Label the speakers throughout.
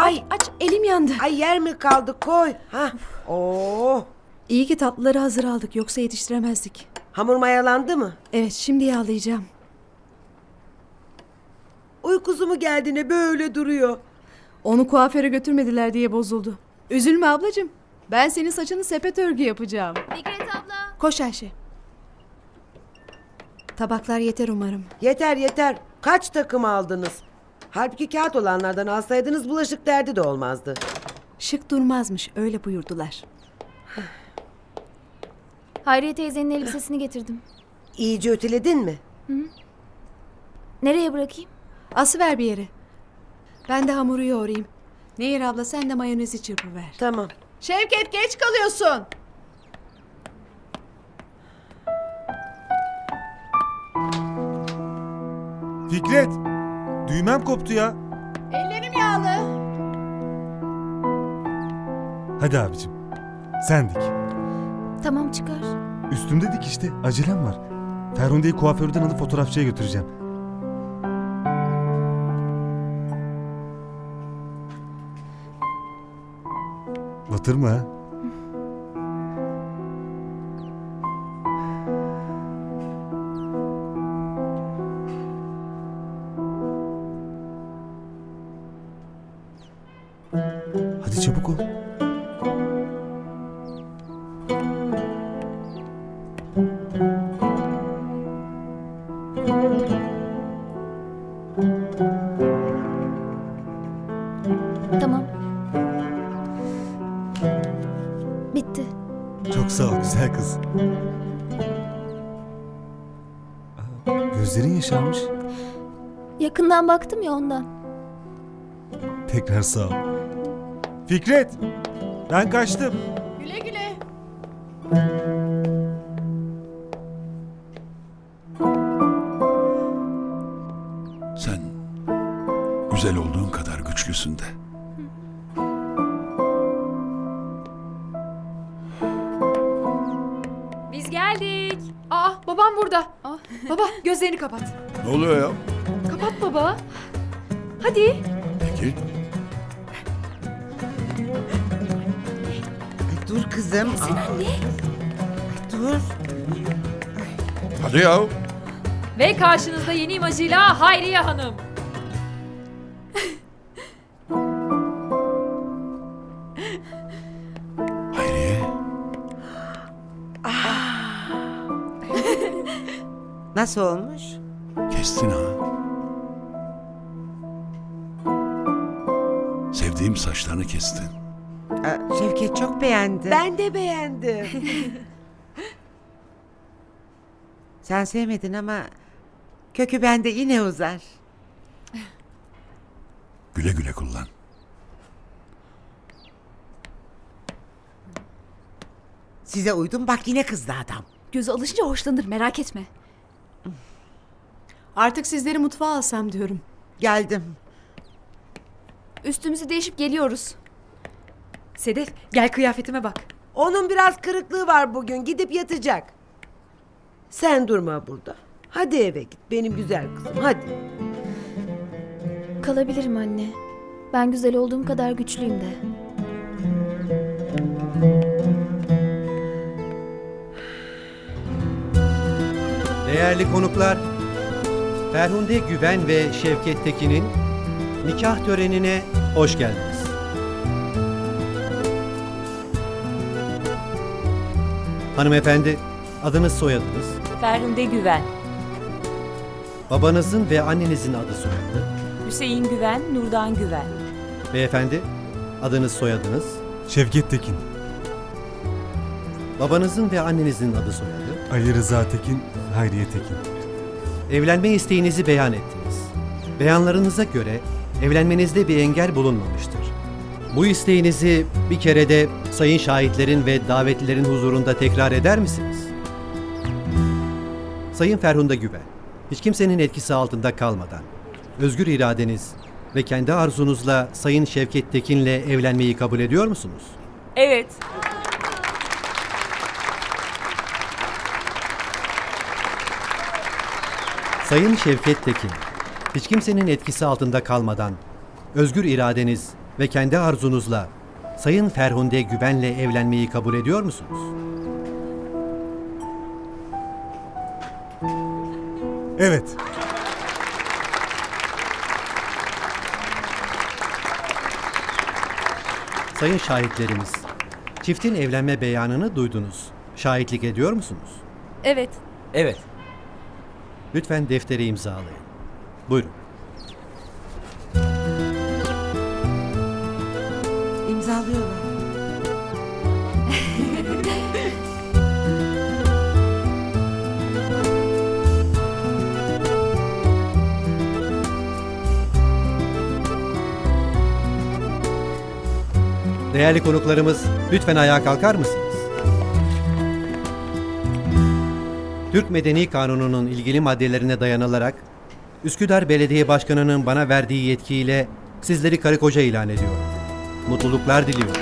Speaker 1: Ay
Speaker 2: Aç, elim yandı.
Speaker 1: ay yer mi kaldı koy. Ha. Oo.
Speaker 2: İyi ki tatlıları hazır aldık, yoksa yetiştiremezdik.
Speaker 1: Hamur mayalandı mı?
Speaker 2: Evet, şimdi yağlayacağım.
Speaker 1: Uykusu mu geldi ne böyle duruyor?
Speaker 2: Onu kuaföre götürmediler diye bozuldu. Üzülme ablacığım. Ben senin saçını sepet örgü yapacağım.
Speaker 3: Fikret abla.
Speaker 2: Koş Ayşe. Tabaklar yeter umarım.
Speaker 1: Yeter yeter. Kaç takım aldınız? Halbuki kağıt olanlardan alsaydınız bulaşık derdi de olmazdı.
Speaker 2: Şık durmazmış, öyle buyurdular.
Speaker 3: Hayriye teyzenin elbisesini getirdim.
Speaker 1: İyice öteledin mi?
Speaker 3: Nereye bırakayım?
Speaker 2: Asıver bir yere. Ben de hamuru yoğurayım. Nehir abla, sen de mayonezi çırpıver.
Speaker 1: Tamam.
Speaker 2: Şevket, geç kalıyorsun.
Speaker 4: Fikret! Düğmem koptu ya.
Speaker 2: Ellerim yağlı.
Speaker 4: Hadi abicim. Sen dik.
Speaker 3: Tamam çıkar.
Speaker 4: Üstümde dik işte. Acelem var. Ferhunde'yi kuaförden alıp fotoğrafçıya götüreceğim. Batırma ha. Hadi çabuk ol.
Speaker 3: Tamam. Bitti.
Speaker 4: Çok sağ ol güzel kız. Gözlerin yaşarmış.
Speaker 3: Yakından baktım ya ondan.
Speaker 4: Tekrar sağ ol. Fikret! Ben kaçtım.
Speaker 2: Güle güle.
Speaker 5: Sen güzel olduğun kadar güçlüsün de.
Speaker 6: Biz geldik. Aa, babam burada. Baba, gözlerini kapat.
Speaker 5: Ne oluyor ya?
Speaker 6: Kapat baba. Hadi.
Speaker 5: Peki.
Speaker 1: Dur kızım.
Speaker 6: Sen anne.
Speaker 1: Dur.
Speaker 5: Hadi ya.
Speaker 6: Ve karşınızda yeni imajıyla Hayriye Hanım.
Speaker 5: Hayriye.
Speaker 1: Nasıl olmuş?
Speaker 5: Kestin ha. Sevdiğim saçlarını kestin.
Speaker 7: Şevket çok beğendi.
Speaker 1: Ben de beğendim.
Speaker 7: Sen sevmedin ama kökü bende yine uzar.
Speaker 5: Güle güle kullan.
Speaker 7: Size uydum bak yine kızdı adam.
Speaker 6: Gözü alışınca hoşlanır, merak etme.
Speaker 2: Artık sizleri mutfağa alsam diyorum.
Speaker 7: Geldim.
Speaker 6: Üstümüzü değişip geliyoruz. Sedef, gel kıyafetime bak.
Speaker 1: Onun biraz kırıklığı var bugün. Gidip yatacak. Sen durma burada. Hadi eve git benim güzel kızım hadi.
Speaker 3: Kalabilirim anne. Ben güzel olduğum kadar güçlüyüm de.
Speaker 8: Değerli konuklar, Ferhunde Güven ve Şevket Tekin'in nikah törenine hoş geldiniz. Hanımefendi, adınız soyadınız,
Speaker 9: Ferhunde Güven,
Speaker 8: babanızın ve annenizin adı soyadı,
Speaker 9: Hüseyin Güven, Nurdan Güven.
Speaker 8: beyefendi, adınız soyadınız,
Speaker 4: Şevket Tekin.
Speaker 8: babanızın ve annenizin adı soyadı,
Speaker 4: Ali Rıza Tekin, Hayriye Tekin.
Speaker 8: evlenme isteğinizi beyan ettiniz. Beyanlarınıza göre evlenmenizde bir engel bulunmamıştır. Bu isteğinizi bir kere de sayın şahitlerin ve davetlilerin huzurunda tekrar eder misiniz? Sayın Ferhunde Güven, hiç kimsenin etkisi altında kalmadan, özgür iradeniz ve kendi arzunuzla Sayın Şevket Tekin'le evlenmeyi kabul ediyor musunuz?
Speaker 9: Evet.
Speaker 8: Sayın Şevket Tekin, hiç kimsenin etkisi altında kalmadan, özgür iradeniz ve kendi arzunuzla Sayın Ferhunde Güven'le evlenmeyi kabul ediyor musunuz?
Speaker 4: Evet.
Speaker 8: Sayın şahitlerimiz, çiftin evlenme beyanını duydunuz. Şahitlik ediyor musunuz?
Speaker 6: Evet.
Speaker 10: Evet.
Speaker 8: Lütfen defteri imzalayın. Buyurun.
Speaker 7: İmzalıyorlar.
Speaker 8: Değerli konuklarımız, lütfen ayağa kalkar mısınız? Türk Medeni Kanunu'nun ilgili maddelerine dayanılarak Üsküdar Belediye Başkanı'nın bana verdiği yetkiyle sizleri karı koca ilan ediyorum. Mutluluklar diliyorum.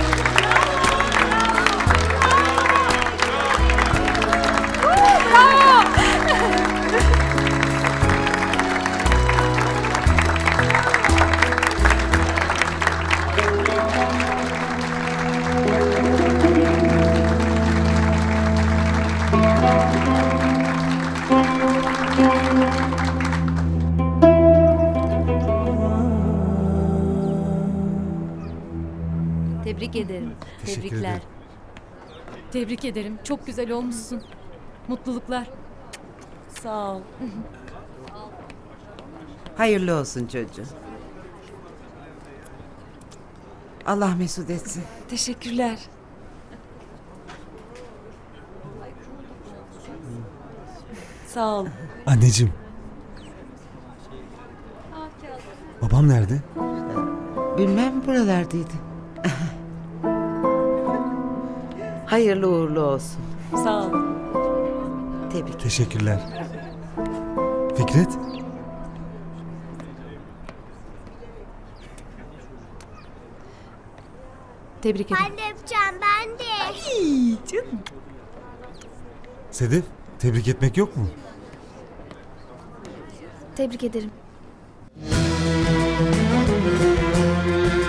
Speaker 6: Tebrik ederim.
Speaker 4: Teşekkür
Speaker 6: Tebrikler.
Speaker 4: ederim.
Speaker 6: Tebrik ederim. Çok güzel olmuşsun. Mutluluklar.
Speaker 9: Sağ ol.
Speaker 7: Hayırlı olsun çocuğum. Allah mesut etsin.
Speaker 9: Teşekkürler. Sağ ol.
Speaker 4: Anneciğim. Babam nerede?
Speaker 7: Bilmem buralardaydı.
Speaker 1: Hayırlı uğurlu olsun.
Speaker 9: Sağ ol.
Speaker 1: Tebrik.
Speaker 4: Teşekkürler. Fikret?
Speaker 2: Tebrik ederim.
Speaker 11: Ben de yapacağım ben de.
Speaker 4: Sedef, tebrik etmek yok mu?
Speaker 3: Tebrik ederim.